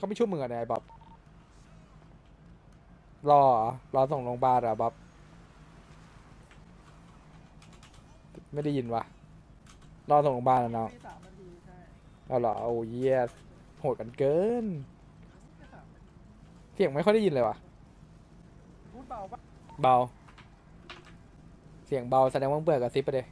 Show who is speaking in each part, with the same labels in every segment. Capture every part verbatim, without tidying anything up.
Speaker 1: เขาไม่ช่วยมึงอะนายบ๊อบรอรอส่งโรงพยาบาลอะบ๊อบไม่ได้ยินวะรอส่งโรงพยาบาลนะน้องเอาเหรอโอ้ยเยสโหดกันเกินเสียงไม่ค่อยได้ยินเลยวะเบาเสียงเบาแสดงว่าเบื่อกับซิปไปเลย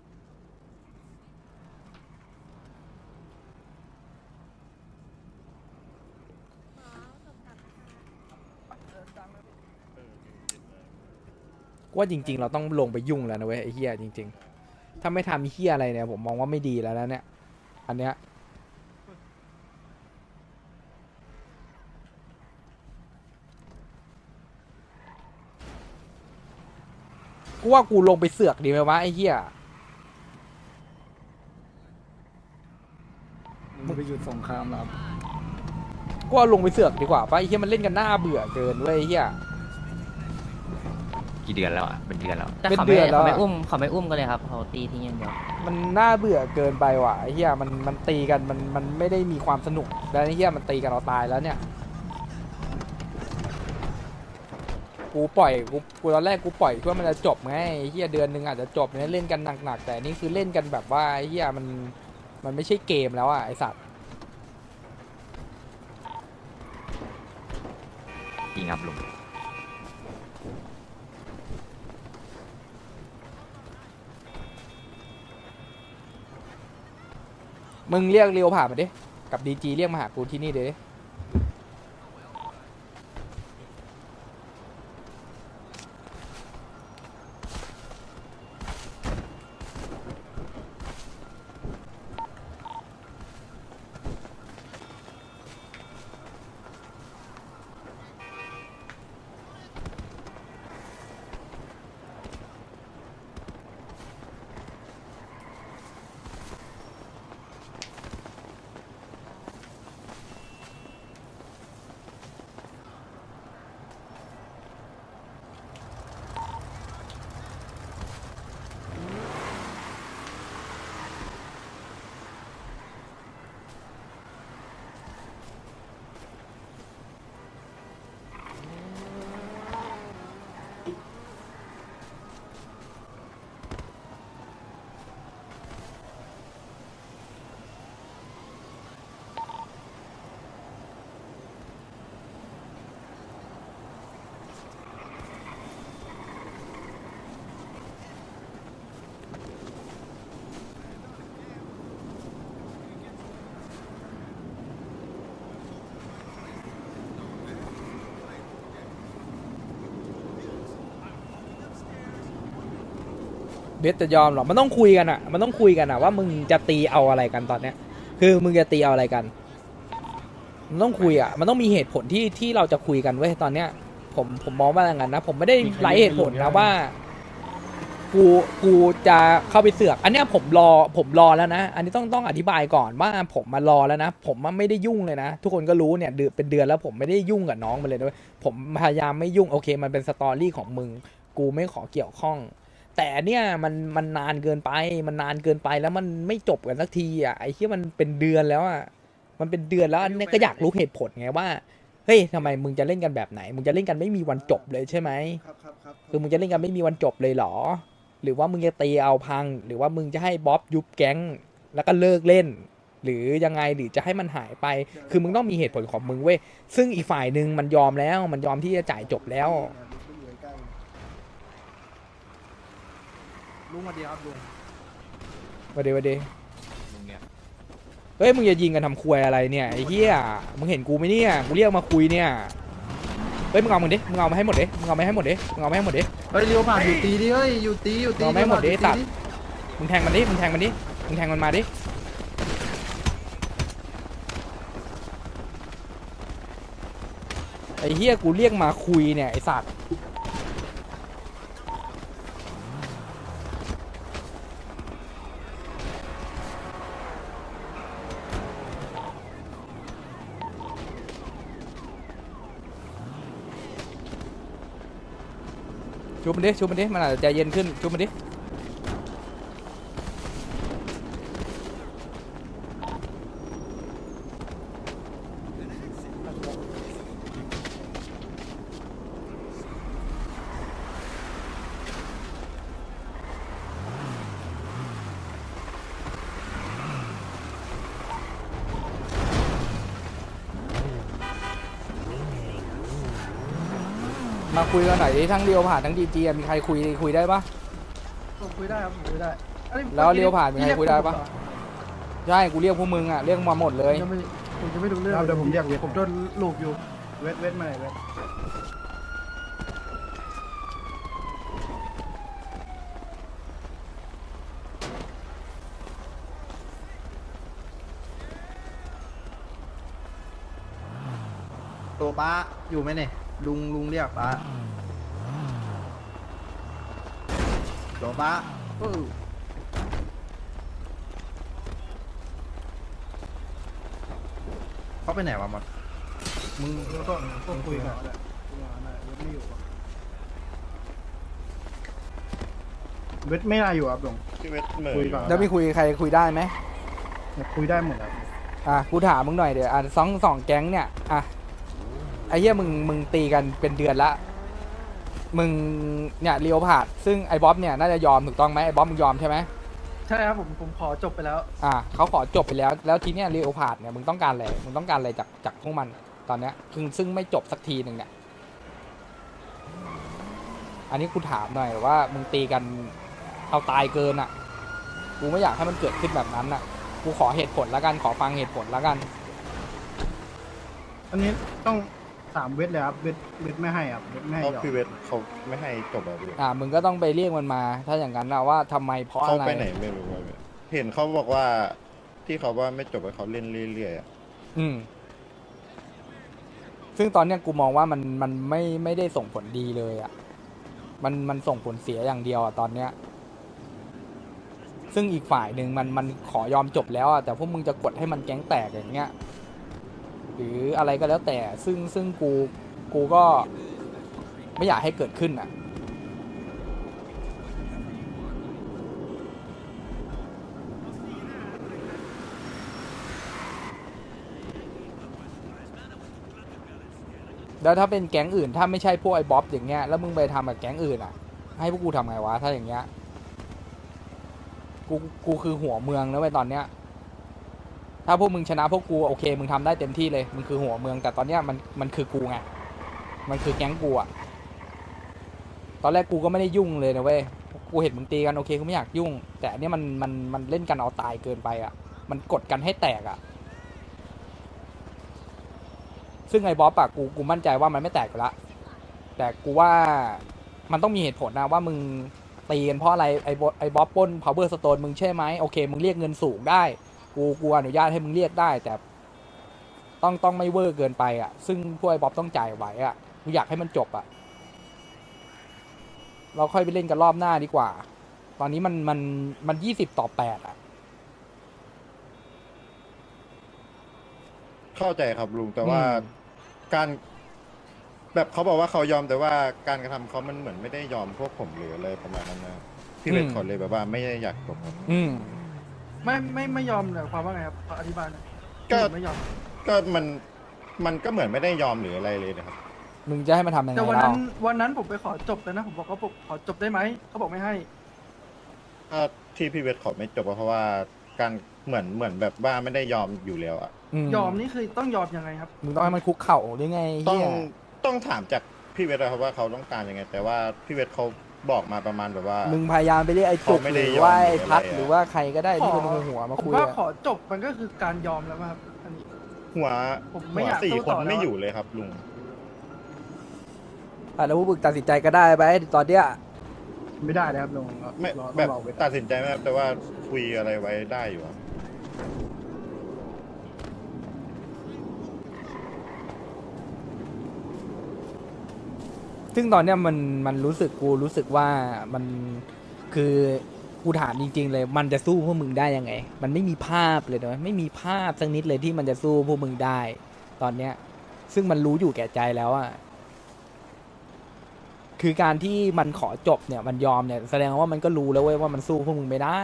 Speaker 1: ว่าจริงๆเราต้องลงไปยุ่งแล้วนะเว้ยไอ้เฮียจริงๆถ้าไม่ทำเฮียอะไรเนี่ยผมมองว่าไม่ดีแล้วนะเนี่ยอันเนี้ยกูว่ากูลงไปเสือกดีไหมวะไอ้เฮีย
Speaker 2: มึงไปหยุดสงครามแล้ว
Speaker 1: ก็เอาลงไปเสือกดีกว่าป่ะไอ้เหี้ยมันเล่นกันหน้าเบื่อเกินเว้ยไอ้เหี้ย
Speaker 3: กี่เดือนแล้วอ่ะเป็นเดือนแล้ว
Speaker 4: แต่
Speaker 1: เป็น
Speaker 4: เขา
Speaker 1: เดื
Speaker 4: ไม่
Speaker 1: อนแล้ว
Speaker 4: เขาไม่
Speaker 1: อะ
Speaker 4: อุ้มเขาไม่อุ้มกันเลยครับเขาตีทิ้งอย่างเดียว
Speaker 1: มันน่าเบื่อเกินไปว่ะไอ้เหี้ยมันมันตีกันมันมันไม่ได้มีความสนุกแล้วไอ้เหี้ยมันตีกันเราตายแล้วเนี่ยกูปล่อยกูกูตอนแรกกูปล่อยเพื่อมันจะจบไงไอ้เหี้ยเดือนหนึงอาจจะจบเนี่ยเล่นกันหนักๆแต่นี่คือเล่นกันแบบว่าไอ้เหี้ยมันมันไม่ใช่เกมแล้วอ่ะไอ้สัตว์
Speaker 3: จริงครับลุง
Speaker 1: มึงเรียกเรียวผ่านมาดิกับดีจีเรียกมาหากูที่นี่เด้ เบสจะยอมหรอมันต้องคุยกันอะมันต้องคุยกันอะว่ามึงจะตีเอาอะไรกันตอนเนี้ย คือมึงจะตีเอาอะไรกัน มันต้องคุยอะมันต้องมีเหตุผลที่ที่เราจะคุยกันเว้ยตอนเนี้ย ผมผมมองว่าอย่างนั้นนะ ผมไม่ได้ไร้เหตุผลนะว่า กูกูจะเข้าไปเสือก อันเนี้ยผมรอผมรอแล้วนะ อันนี้ต้องต้องอธิบายก่อนว่าผมมารอแล้วนะ ผมไม่ได้ยุ่งเลยนะ ทุกคนก็รู้เนี่ยเดือนเป็นเดือนแล้วผมไม่ได้ยุ่งกับน้องมันเลยด้วยผมพยายามไม่ยุ่งโอเค มันเป็นสตอรี่ของมึง กูไม่ขอเกี่ยวข้อง แต่เนี่ยมันมันนานเกินไป มันนานเกินไปแล้วมันไม่จบกันสักทีอ่ะไอ้ที่มันเป็นเดือนแล้วอ่ะ มันเป็นเดือนแล้วอันนี้ก็อยากรู้เหตุผลไงว่า เฮ้ยทำไมมึงจะเล่นกันแบบไหน มึงจะเล่นกันไม่มีวันจบเลยใช่ไหม
Speaker 2: ครับครับครับ
Speaker 1: คือมึงจะเล่นกันไม่มีวันจบเลยเหรอ หรือว่ามึงจะตีเอาพัง หรือว่ามึงจะให้บ๊อบยุบแก๊งแล้วก็เลิกเล่น หรือยังไง หรือจะให้มันหายไป คือมึงต้องมีเหตุผลของมึงเว้ย ซึ่งอีกฝ่ายหนึ่งมันยอมแล้ว มันยอมที่จะจ่ายจบแล้ว
Speaker 2: ลุงมาดีครับลุง
Speaker 1: มาเดมาเด
Speaker 3: ลุงเนี่ย
Speaker 1: เฮ้ยมึงจะยิงกันทำควยอะไรเนี่ยไอ้เหี้ย มึงเห็นกูไหมเนี่ย กูเรียกมาคุยเนี่ย เฮ้ยมึงเอามึงดิ มึงเอามาให้หมดดิ มึงเอามาให้หมดดิ มึงเอามาให้หมดดิ
Speaker 2: เฮ้ยเลี้ยวผ่านอยู่ตีดิเฮ้ยอยู่ตีอยู่ตี
Speaker 1: เราไม่หมดดิ
Speaker 2: เลี้ยว
Speaker 1: ตั
Speaker 2: ผ่า
Speaker 1: ด
Speaker 2: นอยู่
Speaker 1: มึงแทงมันดิ มึงแทงมันดิ มึงแทงมันมาดิ ไอ้เหี้ยกูเรียกมาคุยเนี่ยไอ้สัตว์ชูมันดิชูมันดิ มันอาจจะใจเย็นขึ้นชูมันดิมาคุยกันหน่อยดิทั้งเรียวผ่านทั้งดีจีมีใครคุยคุยได้ปะ
Speaker 2: ผมคุยได้ครับผมคุยได้อันนี้
Speaker 1: แล้วเลี้ยวผ่านมีใครคุยได้ปะ
Speaker 2: พี่
Speaker 1: ใช่กูเรียกพวกมึงอ่ะเรียกมาหมดเลย
Speaker 2: เรียกผมเหรอผมจะไม่ผมจะไม่รู้เรื่องเดี๋ยวผมเรียกเวทผมโดนลูกอยู่เวทเวทมาไหนเวทตัวป้าอยู่ไหมเนี่ยลุงลุงเรียกป้าตัวป้าเออเขาไปไหนวะมดมึงก็ก็คุยกันแหละไม่อยู่เวทไม่น่าอยู่ครับลุง
Speaker 5: พี่เวทเหม่อ
Speaker 2: คุย
Speaker 5: อยู่
Speaker 2: ก่อน
Speaker 1: แล้วมีคุยใครคุยได้ไหม
Speaker 2: คุยได้หมดครับ
Speaker 1: อ่ะกูถามมึงหน่อยเดี๋ยวอ่ะสองสองแก๊งเนี่ยอ่ะไอ้เหี้ยมึงมึงตีกันเป็นเดือนละมึงเนี่ยเรียวผ่านซึ่งไอ้บ๊อบเนี่ยน่าจะยอมถูกต้องไหมไอ้บ๊อบมึงยอมใช่ไหม
Speaker 2: ใช่ครับผมผมขอจบไปแล้ว
Speaker 1: อ่ะเขาขอจบไปแล้วแล้วทีเนี้ยเรียวผ่านเนี่ยมึงต้องการอะไรมึงต้องการอะไรจากจากพวกมันตอนเนี้ยซึ่งซึ่งไม่จบสักทีหนึ่งเนี่ยอันนี้กูถามหน่อยว่ามึงตีกันเอาตายเกินอ่ะกูไม่อยากให้มันเกิดขึ้นแบบนั้นอ่ะกูขอเหตุผลแล้วกันขอฟังเหตุผลแล้วกัน
Speaker 2: อันนี้ต้องถามเวทเลยครับเวทเวทไม่ให้ครับเวทไม่ให้
Speaker 5: เพราะ
Speaker 2: ยอม
Speaker 5: พี่เวทเขาไม่ให้จบอะพี่
Speaker 1: อ่ามึงก็ต้องไปเรียกมันมา ถ้าอย่างนั้นนะว่าทำไมเพราะ
Speaker 5: เขา
Speaker 1: อะไร
Speaker 5: ไปไหนไม่รู้อะพี่เห็นเขาบอกว่าที่เขาว่าไม่จบให้เขาเล่นเรื่อยๆอะ
Speaker 1: อืมซึ่งตอนเนี้ยกูมองว่ามันมันไม่ไม่ได้ส่งผลดีเลยอ่ะมันมันส่งผลเสียอย่างเดียวอ่ะตอนเนี้ยซึ่งอีกฝ่ายหนึ่งมันมันขอยอมจบแล้วอ่ะแต่พวกมึงจะกดให้มันแก๊งแตกอย่างเงี้ยหรืออะไรก็แล้วแต่ซึ่งซึ่งกูกูก็ไม่อยากให้เกิดขึ้นอ่ะแล้วถ้าเป็นแก๊งอื่นถ้าไม่ใช่พวกไอ้บ๊อบอย่างเงี้ยแล้วมึงไปทำกับแก๊งอื่นอ่ะให้พวกกูทำไงวะถ้าอย่างเงี้ยกูกูคือหัวเมืองแล้วไปตอนเนี้ยถ้าพวกมึงชนะพวกกูโอเคมึงทำได้เต็มที่เลยมึงคือหัวเมืองแต่ตอนเนี้ยมันมันคือกูไงมันคือแก๊งกูอ่ะตอนแรกกูก็ไม่ได้ยุ่งเลยนะเว้ยกูเห็นมึงตีกันโอเคกูไม่อยากยุ่ง แต่อันเนี้ยมันมันมันเล่นกันเอาตายเกินไปอ่ะมันกดกันให้แตกอ่ะซึ่งไอ้บ๊อบอะกูกูมั่นใจว่ามันไม่แตกอยู่ละแต่กูว่ามันต้องมีเหตุผลนะว่ามึงตีกันเพราะอะไรไอ้บ๊อบไอ้บ๊อบปล้น power stone มึงใช่ไหมโอเคมึงเรียกเงินสูงได้กูกูอนุญาตให้มึงเรียกได้แต่ต้องต้องไม่เวอร์เกินไปอ่ะซึ่งพวกไอ้บ๊อบต้องจ่ายไหวอ่ะกูอยากให้มันจบอ่ะเราค่อยไปเล่นกันรอบหน้าดีกว่าตอนนี้มันมันมันยี่สิบต่อแปดอ่ะ
Speaker 5: เข้าใจครับลุงแต่ว่า
Speaker 1: อืม
Speaker 5: การแบบเขาบอกว่าเขายอมแต่ว่าการกระทำเขามันเหมือนไม่ได้ยอมพวกผมหรืออะไรประมาณนั้นนะพี่เวทเขาเลยแบบว่าไม่ได้อยากจบครับ
Speaker 1: อืม
Speaker 2: ไม่ไม่ไม่ยอมเลยความว่าไงครับขออธิบายหน่อย
Speaker 5: ก็
Speaker 2: ที่ผมไม่ยอม
Speaker 5: ก็มันมันก็เหมือนไม่ได้ยอมหรืออะไรเลยนะครับ
Speaker 1: มึงจะให้มันทำยังไง
Speaker 2: แต่วัน
Speaker 1: เรา
Speaker 2: นั้นวันนั้นผมไปขอจบแล้วนะผมบอกว่าผมขอจบได้ไหมเขาบอกไม่ให้
Speaker 5: ถ้าที่พี่เวทขอไม่จบก็เพราะว่าการเหมือนเหมือนแบบว่าไม่ได้ยอมอยู่แล้วอะ
Speaker 2: ยอมนี่คือต้องยอมยังไงครับ
Speaker 1: มึงต้องให้มันคุกเข่าหรือไง
Speaker 5: ต้อง
Speaker 1: เฮีย
Speaker 5: ต้องถามจากพี่เวทนะครับว่าเขาต้องการยังไง แต่ว่าพี่เวทเขาบอกมาประมาณแบบว่า
Speaker 1: มึงพยายามไปเรียกไอ้จุก
Speaker 5: เขาไม่
Speaker 1: ห
Speaker 5: ได้
Speaker 1: รือว่าไอ้
Speaker 5: ยอม
Speaker 1: พัด
Speaker 5: หรืออะไรอะ
Speaker 1: หรือว่าใครก็ได้
Speaker 2: ข
Speaker 1: ที่
Speaker 2: อ
Speaker 1: เป็นหัวมา
Speaker 2: ผม
Speaker 1: คุย
Speaker 2: ว่า
Speaker 1: อะ
Speaker 2: ขอจบมันก็คือการยอมแล้วครับอันนี้
Speaker 5: หัว
Speaker 2: ผมไม่
Speaker 5: หัว
Speaker 2: อยาก
Speaker 5: สี่
Speaker 2: สู้
Speaker 5: ค
Speaker 2: ต่
Speaker 5: น
Speaker 2: อแล้ว
Speaker 5: ไม่อยู่เลยครับลุง
Speaker 1: อ่ะแล้วพวกมึงตัดสินใจก็ได้ไปตอนเนี้ย
Speaker 2: ไม่ได้นะครับลุง
Speaker 5: ไม่
Speaker 2: รอ
Speaker 5: แบบ
Speaker 2: ต้องรอเวท
Speaker 5: ตัดสินใจไม่ได้แต่ว่าคุยอะไรไว้ได้อยู่ครับ
Speaker 1: ซึ่งตอนเนี้ยมันมันรู้สึกกูรู้สึกว่ามันคือกูถามจริง ๆ เลย มันจะสู้พวกมึงได้ยังไง มันไม่มีภาพเลยนะไม่มีภาพสักนิดเลยที่มันจะสู้พวกมึงได้ ตอนเนี้ย ซึ่งมันรู้อยู่แก่ใจแล้วอะคือการที่มันขอจบเนี่ย มันยอมเนี่ยแสดงว่ามันก็รู้แล้วเว้ยว่ามันสู้พวกมึงไม่ได้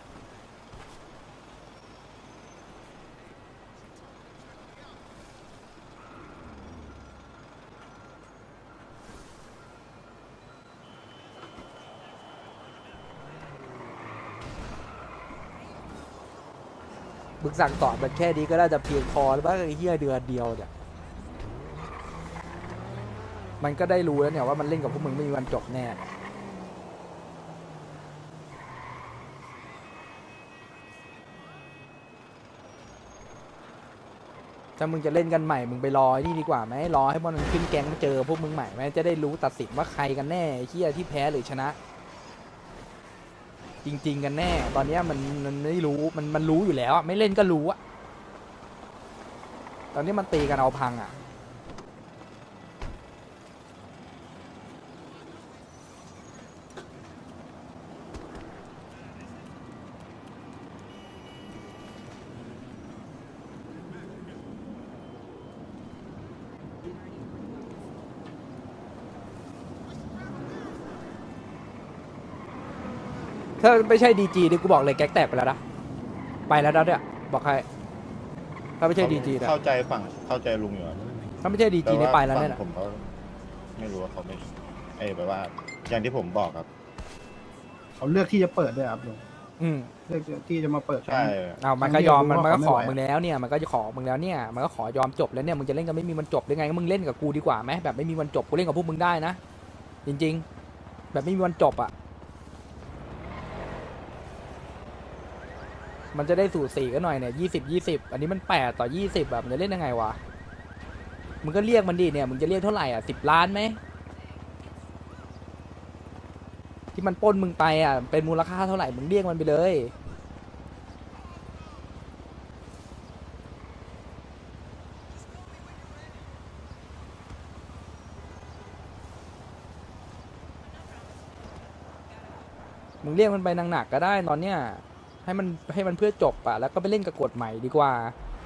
Speaker 1: บึกสั่งสอนมันแค่นี้ก็น่าจะเพียงพอแล้วบ้างไอ้เหี้ยเดือนเดียวเนี่ยมันก็ได้รู้แล้วเนี่ยว่ามันเล่นกับพวกมึงไม่มีวันจบแน่ถ้ามึงจะเล่นกันใหม่มึงไปรอไอ้นี่ดีกว่าไหมรอให้มันขึ้นแก๊งมาเจอพวกมึงใหม่ไหมจะได้รู้ตัดสินว่าใครกันแน่ไอ้เหี้ยที่แพ้หรือชนะ จริง ๆ กันแน่ ตอนเนี้ยมันมันไม่รู้มันมันรู้อยู่แล้วอะไม่เล่นก็รู้อะตอนนี้มันตีกันเอาพังอะถ้าไม่ใช่ดีจีนี่กูบอกเลยแก๊กแตกไปแล้วนะไปแล้วนะเนี่ยบอกใครถ้าไม่ใช่ดีจีนะ
Speaker 5: เข้าใจฝั่งเข้าใจลุงอยู่ครับ
Speaker 1: ถ้าไม่ใช่ดีจีนี่ไปแล้วเนี่ย
Speaker 5: ต่าฝั่งผมเขาไม่รู้ว่าเขาไม่เอ้ยแบบว่า อย่างที่ผมบอกครับ
Speaker 2: เขาเลือกที่จะเปิดด้วยครับลุง
Speaker 1: อืม
Speaker 2: เลือกที่จะมาเปิด
Speaker 5: ใช่
Speaker 1: เอามันก็ยอมมันมันก็ขอ
Speaker 2: ไม่ไหว
Speaker 1: มึงแล้วเนี่ยมันก็จะขอมึงแล้วเนี่ยมันก็ขอยอมจบแล้วเนี่ยมึงจะเล่นกันไม่มีวันจบได้ไงก็มึงเล่นกับกูดีกว่าไหมแบบไม่มีวันจบกูเล่นกับพวกมึงได้นะจริง ๆ แบบไม่มีวันจบอ่ะมันจะได้สูสีกันหน่อยเนี่ยยี่สิบยี่สิบอันนี้มันแปดต่อยี่สิบแบบมันจะเล่นยังไงวะมึงก็เรียกมันดิเนี่ยมึงจะเรียกเท่าไหร่อ่ะสิบล้านไหมที่มันปล้นมึงไปอ่ะเป็นมูลค่าเท่าไหร่มึงเรียกมันไปเลยมึงเรียกมันไปหนักๆก็ได้ตอนเนี้ยให้มันให้มันเพื่อจบอ่ะแล้วก็ไปเล่นกับกฎใหม่ดีกว่า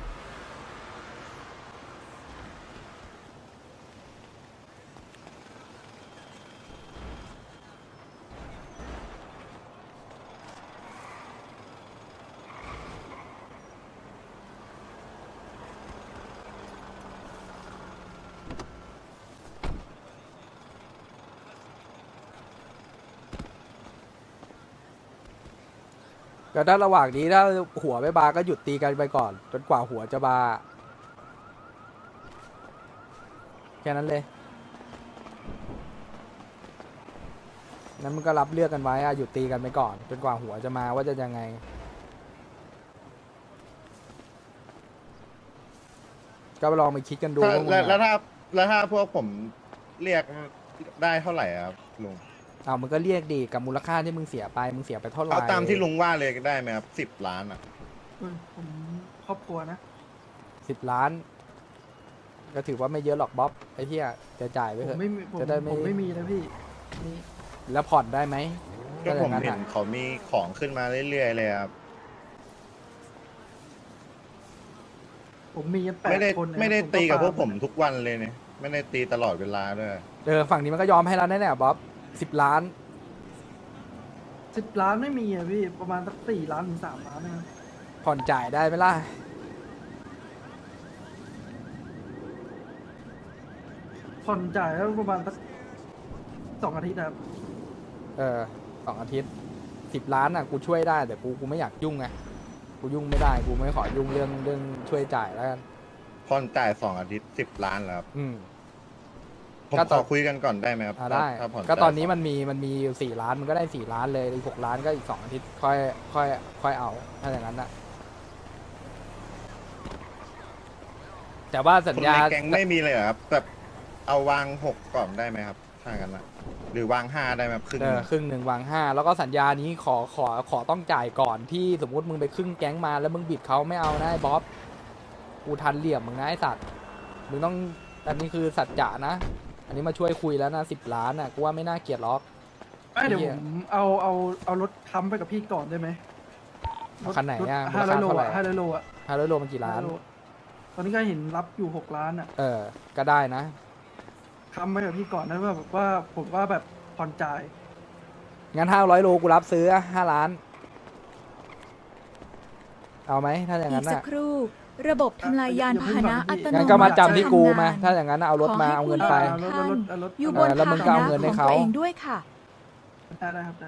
Speaker 1: ก็ถ้าระหว่างนี้ถ้าหัวไม่บาก็หยุดตีกันไปก่อนจนกว่าหัวจะบาแค่นั้นเลยนั้นมึงก็รับเลือกกันไว้อะหยุดตีกันไปก่อนจนกว่าหัวจะมาว่าจะยังไงก็ลองไปคิดกันดู
Speaker 5: ถ้า
Speaker 1: ว่ามึง
Speaker 5: แล้วแล้ว
Speaker 1: อะ
Speaker 5: ถ้าแล้วถ้าพวกผมเรียกได้เท่าไหร่อะครับลุง
Speaker 1: เอามึงก็เรียกดีกับมูลค่าที่มึงเสียไปมึงเสียไปเท่าไหร่
Speaker 5: เอาตามที่ลุงว่าเลยได้ไหมครับสิบล้านอ่ะ
Speaker 2: ผมครอบครัวนะ
Speaker 1: สิบล้าน ก็ถือว่าไม่เยอะหรอกบ๊อบไอ้เหี้ยจะจ่ายไป
Speaker 2: ผม
Speaker 1: เถอะ
Speaker 2: ไม่มีผม
Speaker 1: จะได้ไม่
Speaker 2: ผมไม่มีนะพี่นี่
Speaker 1: แล้วผ่อนได้ไหม
Speaker 5: ก็ผม
Speaker 1: ถ้าอ
Speaker 5: เห็
Speaker 1: ย่าง
Speaker 5: น
Speaker 1: อะ
Speaker 5: เขามีของขึ้นมาเรื่อยๆเลยครับ
Speaker 2: ผมมีกันแป
Speaker 5: ไม่
Speaker 2: ด
Speaker 5: ได้
Speaker 2: คนนะ
Speaker 5: ไม่ได้
Speaker 2: ผ
Speaker 5: ตีกับพวก
Speaker 2: ฟา
Speaker 5: ผมทุกวันเลยเนี่ยไม่ได้ตีตลอดเวลาด้วย
Speaker 1: เออฝั่งนี้มันก็ยอมให้แล้วแน่ๆบ๊อบสิบล้าน
Speaker 2: สิบล้านไม่มีอะพี่ประมาณสักสี่ล้านถึงสามล้านนะ
Speaker 1: ผ่อนจ่ายได้ไหมล่ะ
Speaker 2: ผ่อนจ่ายแล้วประมาณสักสองอาทิตย์ครับ
Speaker 1: เออสองอาทิตย์สิบล้านอ่ะกูช่วยได้แต่กูกูไม่อยากยุ่งไงกูยุ่งไม่ได้กูไม่ขอยุ่งเรื่องเรื่องช่วยจ่ายแล้วกัน
Speaker 5: ผ่อนจ่ายสองอาทิตย์สิบล้านแล้วครับ
Speaker 1: อืม
Speaker 5: ผม
Speaker 1: ก็
Speaker 5: ข
Speaker 1: ต่อ
Speaker 5: อคุยกันก่อนได้ไหมครับ
Speaker 1: อ่าได้
Speaker 5: ถ้าผ่อน
Speaker 1: ก็ตอน
Speaker 5: จ่าย
Speaker 1: นี้
Speaker 5: สง
Speaker 1: มันมีมันมีอยู่สี่ล้านมันก็ได้สี่ล้านเลยอีกหกล้านก็อีกสองอาทิตย์ค่อยค่อยค่อยเอาถ้าอย่างนั้นนะแต่ว่าสัญ
Speaker 5: คน
Speaker 1: ญา
Speaker 5: ในแก๊งไม่มีเลยเหรอครับแบบเอาวางหกก่อนได้ไหมครับถ้างั้นนะหรือวางห้าได้ไหมครับครึ่ง
Speaker 1: เออครึ่งหนึ่งวางห้าแล้วก็สัญญานี้ขอขอขอต้องจ่ายก่อนที่สมมุติมึงไปครึ่งแก๊งมาแล้วมึงบิดเขาไม่เอานะไอ้บ๊อบกูทันเหลี่ยมมึงนะไอ้สัตว์มึงต้องอันนี้คือสัจจะนะ อันนี้มาช่วยคุยแล้วนะสิบล้านอ่ะกูว่าไม่น่าเกลียดหรอก
Speaker 2: ไม่เดี๋ยว
Speaker 1: เหี้
Speaker 2: ผ
Speaker 1: ย
Speaker 2: มเอาเอาเอารถค้ำไปกับพี่ก่อนได้ไหม
Speaker 1: เอาคันไหนอะ
Speaker 2: ห้าร้อยโล
Speaker 1: มูลค่าเท่าไหร่
Speaker 2: อะห้าร้อยโลอะ
Speaker 1: ห้าร้อยโลมันกี่ล้าน
Speaker 2: ห้ร้อยโลตอนนี้ก็เห็นรับอยู่หกล้านอะ
Speaker 1: เออ ก็ได้นะ
Speaker 2: ค้ำไปกับพี่ก่อนนะว่าแบบว่าผมว่าแบบผ่อนจ่าย
Speaker 1: งั้นห้าร้อยโลกูรับซื้อห้าล้าน เอาไหมถ้าอย่าง
Speaker 6: อี
Speaker 1: นั้
Speaker 6: ก
Speaker 1: น
Speaker 6: สั
Speaker 1: น่ะ
Speaker 6: กครู่ ระบบทำลายยานพาหนะอัตโนมัติ
Speaker 1: งั้นก็มาจำที่กู
Speaker 6: จะทำง
Speaker 1: มา
Speaker 6: น
Speaker 1: ถ้าอย่างนั้นน่ะเอารถมาเอาเงินไป
Speaker 2: เอารถเอารถเอารถ
Speaker 6: อยู่บ
Speaker 1: เอน อแล้วมึ
Speaker 6: พาง ห
Speaker 1: ก็เอา
Speaker 6: นะ
Speaker 1: เงินให้
Speaker 6: ของ
Speaker 1: เขา
Speaker 6: ตัวเองด้วยค่ะ
Speaker 2: ได้ได้ครับได้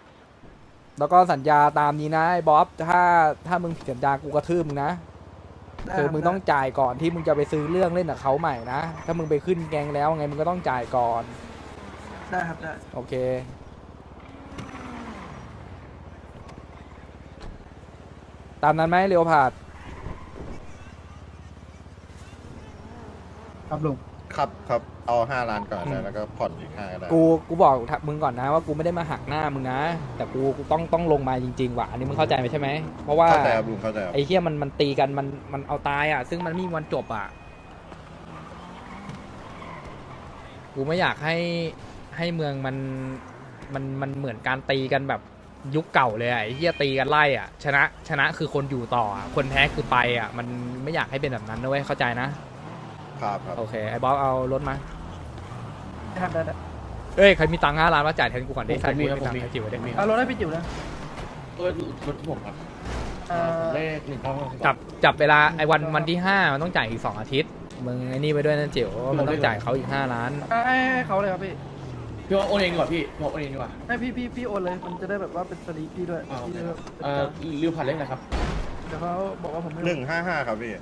Speaker 1: แล้วก็สัญญาตามนี้นะไอ้บ๊อบถ้าถ้ามึงผิดสัญญากูกระทืบมึงนะ
Speaker 2: ได้
Speaker 1: คือ
Speaker 2: รับ
Speaker 1: มึงต้องจ่ายก่อนที่มึงจะไปซื้อเรื่องเล่นกับเขาใหม่นะถ้ามึงไปขึ้นแกงแล้วไงมึงก็ต้องจ่ายก่อน
Speaker 2: ได้ครับได้
Speaker 1: โอเคตามนั้นไหมเรียวผาด
Speaker 2: ครับลุง
Speaker 5: ครับครับเอาห้าล้านก่อนนะแล้วก็ผ่อนอีกห้าก็ได้
Speaker 1: กูกูบอกมึงก่อนนะว่ากูไม่ได้มาหักหน้ามึงนะ แต่กูกูต้องต้องลงมาจริงๆว่ะอันนี้มึงเข้าใจไหมใช่ไหมเพราะว่า
Speaker 5: เข้าใจครับลุงเข้าใจครับ
Speaker 1: ไอ้เฮียมันมันตีกันมันมันเอาตายอ่ะ ซึ่งมันไม่มีวันจบอ่ะกูไม่อยากให้ให้เมืองมันมันมันเหมือนการตีกันแบบยุคเก่าเลยอะไอ้เฮียตีกันไล่อ่ะชนะชนะคือคนอยู่ต่ออะคนแพ้คือไปอ่ะมันไม่อยากให้เป็นแบบนั้นนะเว้ยเข้าใจนะครับ
Speaker 5: ครับ
Speaker 1: โอเคไอ้บ๊อบเอารถมา
Speaker 2: ได้ครับได้ได้
Speaker 1: เอ้ยใครมีตังค์ห้าล้านมาจ่ายแทนกูก่อนดิ
Speaker 7: ผม
Speaker 1: ใคร
Speaker 7: มี
Speaker 1: มี
Speaker 7: ครับ
Speaker 1: ตังค์
Speaker 7: ผมมี
Speaker 1: ให้จิ๋วได้
Speaker 2: เอารถให้พี่จิ๋วนะ
Speaker 7: ตัวรถที่ผมครับ
Speaker 2: เอ่อ
Speaker 7: เลขหนึ่งเก้าห้า
Speaker 1: จับจับเวลาไอ้วันวันที่ห้ามันต้องจ่ายอีกสองอาทิตย์มึงไอ้นี่ไปด้วยนะจิ๋วมันต้องจ่ายเขาอีกห้าล้าน
Speaker 2: ให้ให้ให้เขาเลยครับพี่
Speaker 7: พี่ว่าโอนเองดีกว่าพี่พี่ว่าโอนเองดีกว่า
Speaker 2: ให้พี่พี่พี่โอนเลยมันจะได้แบบว่าเป็นสลีปพี่ด้วย
Speaker 7: อ่าโอเค
Speaker 2: พี่
Speaker 7: ครับ
Speaker 2: จะ
Speaker 7: เอ่อริวผ่านเลขอะไรครับ
Speaker 2: เดี๋ยวเขาบอกว่าผมไม่
Speaker 5: หนึ่งห้าห้าครับพี่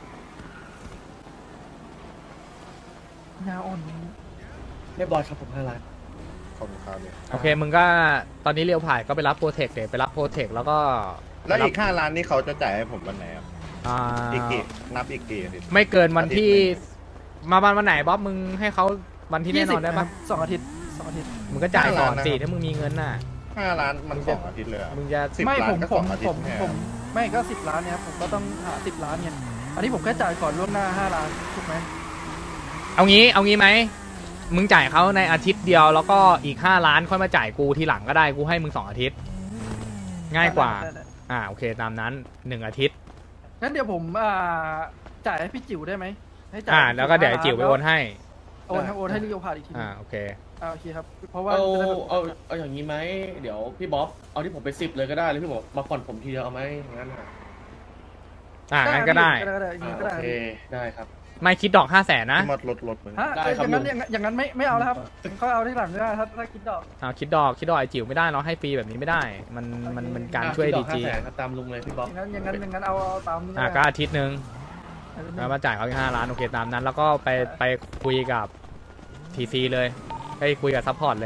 Speaker 2: ยาอ่อน
Speaker 7: เรียบร้อยครับผมห้าล้าน
Speaker 5: ขอบคุณครับพี่
Speaker 1: โอเคมึงก็ตอนนี้เรียวผ่านก็ไปรับโปรเทคเดี๋ยวไปรับโปรเทคแล้วก็
Speaker 5: แล้วอีกห้าล้านนี่เขาจะจ่ายให้ผมวันไหนครับ
Speaker 1: อ่า
Speaker 5: อีกกี่นับอีกกี่อาทิตย์
Speaker 1: ไม่เกินวันที่
Speaker 5: อาทิตย์
Speaker 1: มาวันวันไหนบ๊อบมึงให้เขาวันที่แน่นอนได้ปะ
Speaker 2: สองอาทิตย์สองอาทิตย์
Speaker 1: มึงก็จ่ายก่อนสิถ้ามึงมีเงินน่ะ
Speaker 5: ห้าล้านมันสองอาทิตย์เลยอะ
Speaker 1: มึงจะ
Speaker 5: สิบ
Speaker 2: ไม่
Speaker 5: ล้า
Speaker 2: ผ
Speaker 5: น
Speaker 2: ม
Speaker 5: ก็
Speaker 2: ผ
Speaker 5: สอ
Speaker 2: ม
Speaker 5: งอาทิ
Speaker 2: ผ
Speaker 5: ต
Speaker 2: ม
Speaker 5: ย์แน่
Speaker 2: ผมไม่ก็สิบล้านเนี่ยผมก็ต้องหาสิบล้านไงอันนี้ผมแค่จ่ายก่อนล่วงหน้าห้าล้านถูกไหม
Speaker 1: เอางี้เอางี้ไหมมึงจ่ายเขาในอาทิตย์เดียวแล้วก็อีกห้าล้านค่อยมาจ่ายกูทีหลังก็ได้กูให้มึงสองอาทิตย์ ง่ายกว่า
Speaker 2: ได้ได้
Speaker 1: อ่าโอเคตามนั้นหนึ่งอาทิตย์
Speaker 2: งั้นเดี๋ยวผมอ่าจ่ายให้พี่จิ๋วได้ไหมให้จ่าย
Speaker 1: อ่าแล้วก็เดี๋ยวไอ้จิ๋วไปโอนให้
Speaker 2: โอนให้โอนให้ลิโอพาดอีกที
Speaker 1: อ่าโอเค
Speaker 2: อ่าโอเคครับเพราะว่า
Speaker 7: เอา
Speaker 2: จะได้แบบ
Speaker 7: เอาเอาอย่างนี้ไหมเดี๋ยวพี่บ๊อบเอาที่ผมไปสิบเลยก็ได้แล้วพี่บอกมาผ่อนผมทีเดียวเอาไหมอย่างนั้นอ่ะ
Speaker 1: อ่างั้นก็ได้
Speaker 2: ก็ได้ก็ได้อย่าง
Speaker 7: อ่า
Speaker 2: นี้ก็
Speaker 7: โอ
Speaker 2: ได้
Speaker 7: เคได้ครับ
Speaker 1: ไม่คิดดอกห้าแสนนะ
Speaker 5: ที่มดลดลดมึง
Speaker 2: ฮะ
Speaker 7: ได้
Speaker 2: อ
Speaker 7: ครับ
Speaker 2: ย่างนั้น
Speaker 7: ลุง
Speaker 2: อย่างนั้นอย่างนั้นไม่ไม่เอาแล้วครับเขาเอาที่หลังก็ได้ถ้าถ้าคิดดอก
Speaker 1: อ่าคิดดอกคิดดอกไอ้จิ๋วไม่ได้เราให้ฟรีแบบนี้ไม่ได้ มันมันมันการช่วย
Speaker 7: อ่ะ
Speaker 1: ดี
Speaker 7: พี่
Speaker 1: จี
Speaker 7: ดอกห้าแสนครับตามลุงเลยพี่บ๊อบ
Speaker 2: อย่างนั้นอย่างนั้นอย่างนั้นเอาเอาตามนี้
Speaker 1: อ่าก็
Speaker 2: ได้
Speaker 1: อาทิตย์หนึ่งแล้วมาจ่ายเขาอีกห้าล้านโอเคตามนั้น แล้วก็ไปไปคุยกับทีซีเลยไปคุยกับซัพพอร์ตเลย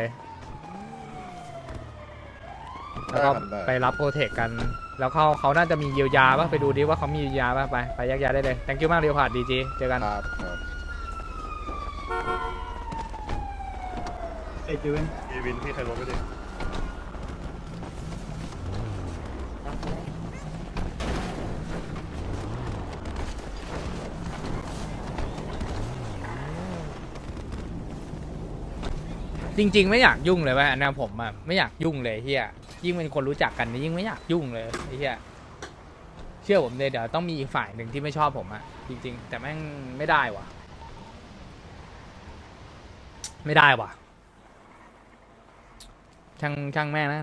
Speaker 1: แล้วก็ไปรับโปรเทคกัน แล้วเขาเขาน่าจะมีเยียวยาป่ะไปดูดิว่าเขามีเยียวยาป่ะไปไปแยกย้ายได้เลย thank you มากเรียวผ่านดีจีเจอกัน
Speaker 5: ครับครับ
Speaker 2: เอยจิ๋วเอง
Speaker 5: พี่วินพี่ใครลดไปดิ
Speaker 1: จริง ๆ ไม่อยากยุ่งเลยเว่านะผมอ่ะไม่อยากยุ่งเลยเฮียยิ่งเป็นคนรู้จักกันนี่ยิ่งไม่อยากยุ่งเลยไอ้เฮียเชื่อผมเลยเดี๋ยวต้องมีอีกฝ่ายหนึ่งที่ไม่ชอบผมอ่ะจริง ๆ แต่แม่งไม่ได้ว่ะ ไม่ได้ว่ะช่างช่างแม่งนะ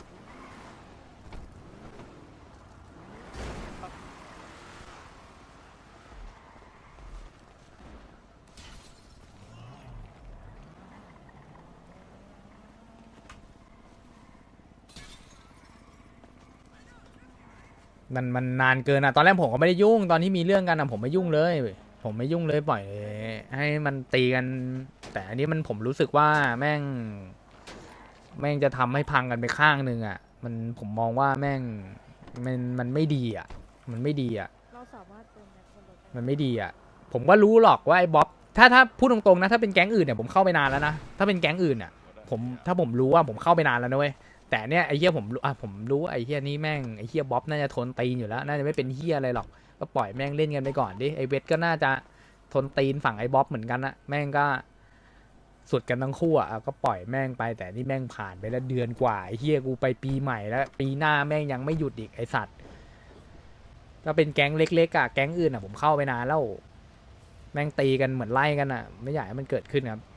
Speaker 1: มันมันนานเกินอ่ะตอนแรกผมก็ไม่ได้ยุ่งตอนที่มีเรื่องกันอ่ะผมไม่ยุ่งเลย ผมไม่ยุ่งเลยปล่อยให้มันตีกัน แต่อันนี้มันผมรู้สึกว่าแม่ง แม่งจะทำให้พังกันไปข้างหนึ่งอ่ะ มันผมมองว่าแม่งมันมันไม่ดีอ่ะ มันไม่ดีอ่ะ
Speaker 6: เราสามารถเติมแม็กซ์บนรถได้
Speaker 1: มันไม่ดีอ่ะ ผมก็รู้หรอกว่าไอ้บ๊อบถ้าถ้าพูดตรงๆนะถ้าเป็นแก๊งอื่นเนี่ยผมเข้าไปนานแล้วนะถ้าเป็นแก๊งอื่นอ่ะผมถ้าผมรู้ว่าผมเข้าไปนานแล้วนะเว้ยแต่เนี่ยไอ้เฮียผมรู้อ่ะผมรู้ว่าไอ้เฮียนี่แม่งไอ้เฮียบ๊อบน่าจะทนตีนอยู่แล้วน่าจะไม่เป็นเฮียอะไรหรอกก็ปล่อยแม่งเล่นกันไปก่อนดิไอ้เวทก็น่าจะทนตีนฝั่งไอ้บ๊อบเหมือนกันนะแม่งก็สุดกันทั้งคู่อ่ะก็ปล่อยแม่งไปแต่นี่แม่งผ่านไปแล้วเดือนกว่าไอ้เฮียกูไปปีใหม่แล้วปีหน้าแม่งยังไม่หยุดอีกไอ้สัตว์ก็เป็นแก๊งเล็กๆอ่ะแก๊งอื่นอ่ะผมเข้าไปนานแล้วแม่งตีกันเหมือนไล่กันอ่ะไม่อยากให้มันเกิดขึ้นครับ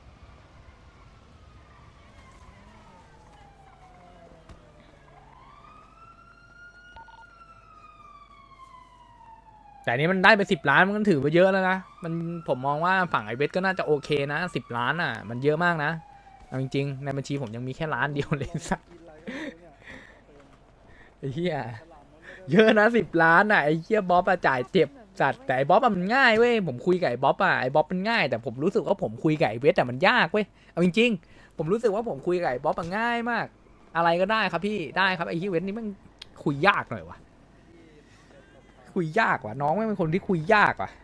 Speaker 1: แต่อันนี้มันได้ไปสิบล้านมันก็ถือว่าเยอะแล้วนะมันผมมองว่าฝั่งไอเวทก็น่าจะโอเคนะสิบล้านอ่ะมันเยอะมากนะเอาจริงๆในบัญชีผมยังมีแค่ล้านเดียวเลยสัสไอ้เหี้ยเยอะนะสิบล้านอ่ะไอ้เหี้ยบ๊อบอะจ่ายเจ็บจัดแต่ไอ้บ๊อบอะมันง่ายเว้ยผมคุยกับไอ้บ๊อบอะไอ้บ๊อบมันง่ายแต่ผมรู้สึกว่าผมคุยกับไอ้เวทอะมันยากเว้ยเอาจริงๆผมรู้สึกว่าผมคุยกับไอ้บ๊อบอะง่ายมาก อะไรก็ได้ครับพี่ได้ครับไอ้ที่เวทนี่มันคุยยากหน่อยวะคุยยากว่ะน้องไม่เป็นคนที่คุยยากว่ะ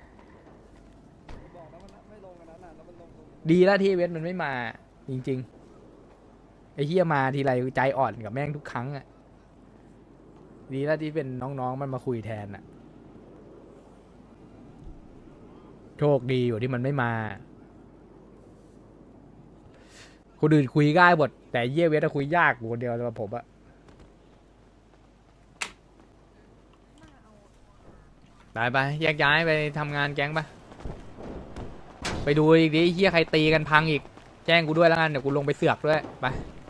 Speaker 1: ดีแล้วที่เวทมันไม่มาจริงๆไอ้เฮียมาทีไรใจอ่อนกับแม่งทุกครั้งอะดีแล้วที่เป็นน้องๆมันมาคุยแทนอะโชคดีอยู่ที่มันไม่มาคนอื่นคุยง่ายหมดแต่เยี่ยเวทอะคุยยากอยู่คนเดียวสำหรับผมอะไปไปแยกย้ายไปทำงานแก๊งปะไปดูอีกดิเฮียใครตีกันพังอีกแจ้งกูด้วยแล้วกันเดี๋ยวกูลงไปเสือกด้วยไป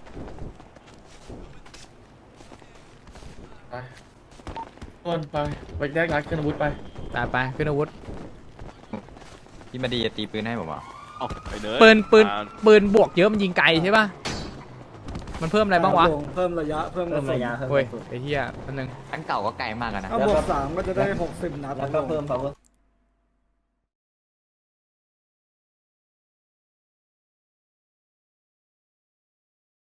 Speaker 7: ไปต้นไปไปแยกร้านเครื่องอาวุธไป
Speaker 1: ตามไปขึ้นอาวุธ
Speaker 3: พี่มาดีจะตีปืนให้ผมเหรอ
Speaker 8: เอาไปเดิน
Speaker 1: ปืนปืน
Speaker 8: อ่า
Speaker 1: ปืนบวกเยอะมันยิงไกลใช่ปะมันเพิ่มอะไรบ้างวะ
Speaker 9: เพิ่มระยะเพิ่มกระสุน
Speaker 1: โอ้ยไอ้เหี้ยอันนึง
Speaker 3: อันเก่าก็ไกลมากอะนะ
Speaker 9: ถ้าบวกสามก็จะได้หกสิบนัด
Speaker 10: แล้วก็เพิ่ม power